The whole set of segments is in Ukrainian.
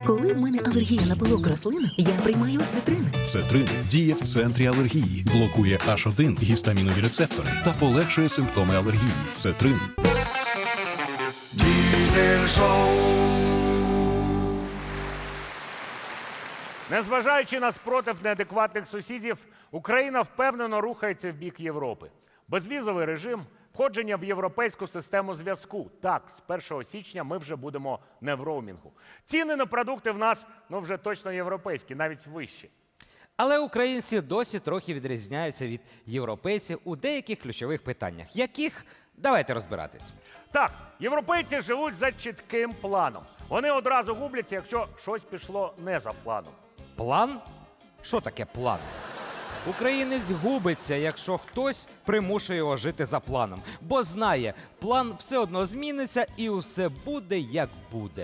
Коли в мене алергія на пилок рослин, я приймаю цитрин. Цетрин діє в центрі алергії, блокує H1 гістамінові рецептори та полегшує симптоми алергії. Цетрин. Diesel Show. Незважаючи на спротив неадекватних сусідів, Україна впевнено рухається в бік Європи. Безвізовий режим, входження в європейську систему зв'язку. Так, з 1 січня ми вже будемо не в роумінгу. Ціни на продукти в нас, вже точно європейські, навіть вищі. Але українці досі трохи відрізняються від європейців у деяких ключових питаннях. Яких? Давайте розбиратись. Так, європейці живуть за чітким планом. Вони одразу губляться, якщо щось пішло не за планом. План? Що таке план? Українець губиться, якщо хтось примушує його жити за планом. Бо знає, план все одно зміниться і все буде, як буде.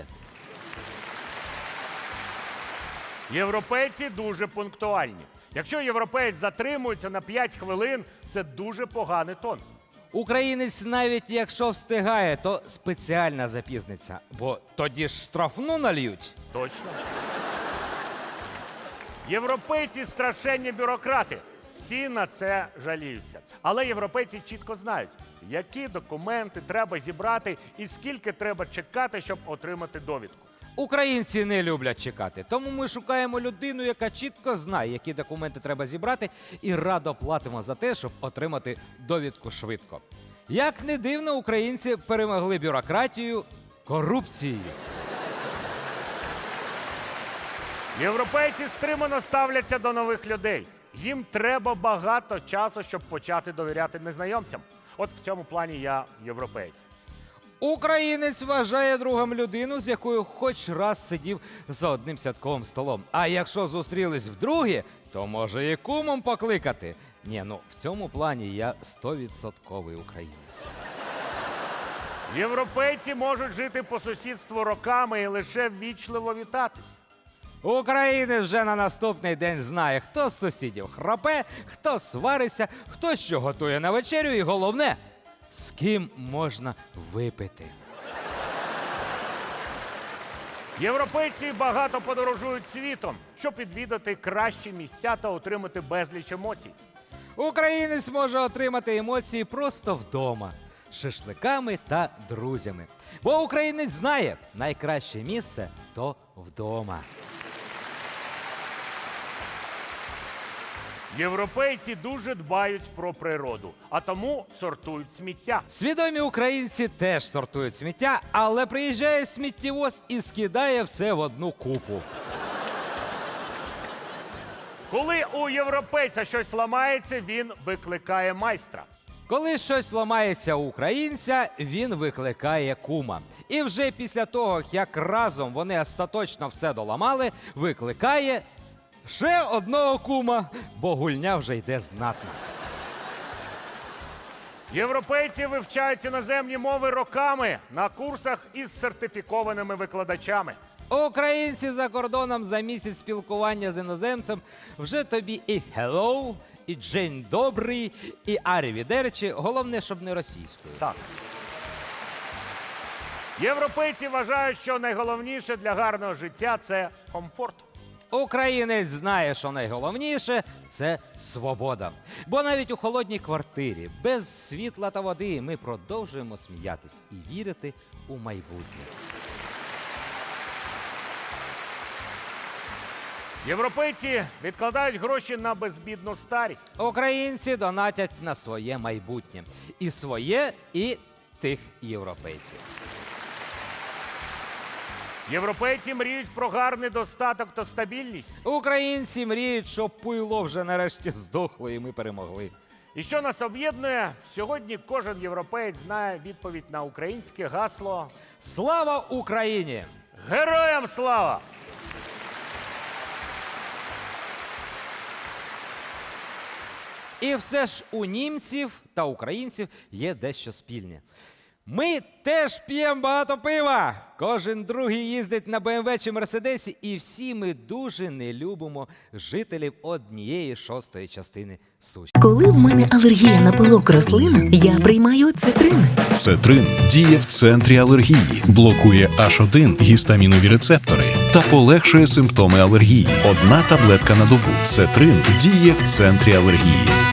Європейці дуже пунктуальні. Якщо європеєць затримується на 5 хвилин, це дуже поганий тон. Українець навіть якщо встигає, то спеціально запізниться. Бо тоді ж штрафну нальють. Точно. Європейці страшенні бюрократи. Всі на це жаліються. Але європейці чітко знають, які документи треба зібрати і скільки треба чекати, щоб отримати довідку. Українці не люблять чекати, тому ми шукаємо людину, яка чітко знає, які документи треба зібрати, і радо платимо за те, щоб отримати довідку швидко. Як не дивно, українці перемогли бюрократію корупцією. Європейці стримано ставляться до нових людей. Їм треба багато часу, щоб почати довіряти незнайомцям. От в цьому плані я європеєць. Українець вважає другом людину, з якою хоч раз сидів за одним святковим столом. А якщо зустрілись вдруге, то може і кумом покликати. Ні, в цьому плані я 100% українець. Європейці можуть жити по сусідству роками і лише ввічливо вітатись. Українець вже на наступний день знає, хто з сусідів храпе, хто свариться, хто що готує на вечерю і головне, з ким можна випити. Європейці багато подорожують світом, щоб відвідати кращі місця та отримати безліч емоцій. Українець може отримати емоції просто вдома, з шашликами та друзями. Бо українець знає, найкраще місце – то вдома. Європейці дуже дбають про природу, а тому сортують сміття. Свідомі українці теж сортують сміття, але приїжджає сміттєвоз і скидає все в одну купу. Коли у європейця щось ламається, він викликає майстра. Коли щось ламається у українця, він викликає кума. І вже після того, як разом вони остаточно все доламали, викликає ще одного кума, бо гульня вже йде знатно. Європейці вивчають іноземні мови роками на курсах із сертифікованими викладачами. Українці за кордоном за місяць спілкування з іноземцем вже тобі і «hello», і «дзень добрий», і «арівідерчі», головне, щоб не російською. Так. Європейці вважають, що найголовніше для гарного життя – це комфорт. Українець знає, що найголовніше – це свобода. Бо навіть у холодній квартирі, без світла та води, ми продовжуємо сміятись і вірити у майбутнє. Європейці відкладають гроші на безбідну старість. Українці донатять на своє майбутнє. І своє, і тих європейців. Європейці мріють про гарний достаток та стабільність. Українці мріють, щоб пуйло вже нарешті здохло і ми перемогли. І що нас об'єднує? Сьогодні кожен європеєць знає відповідь на українське гасло Слава Україні! «Героям слава!». І все ж у німців та українців є дещо спільне. Ми теж п'ємо багато пива. Кожен другий їздить на БМВ чи Мерседесі, і всі ми дуже не любимо жителів 1/6 частини суші. Коли в мене алергія на пилок рослин, я приймаю цитрин. Цетрин діє в центрі алергії, блокує H1 гістамінові рецептори та полегшує симптоми алергії. Одна таблетка на добу. Цетрин діє в центрі алергії.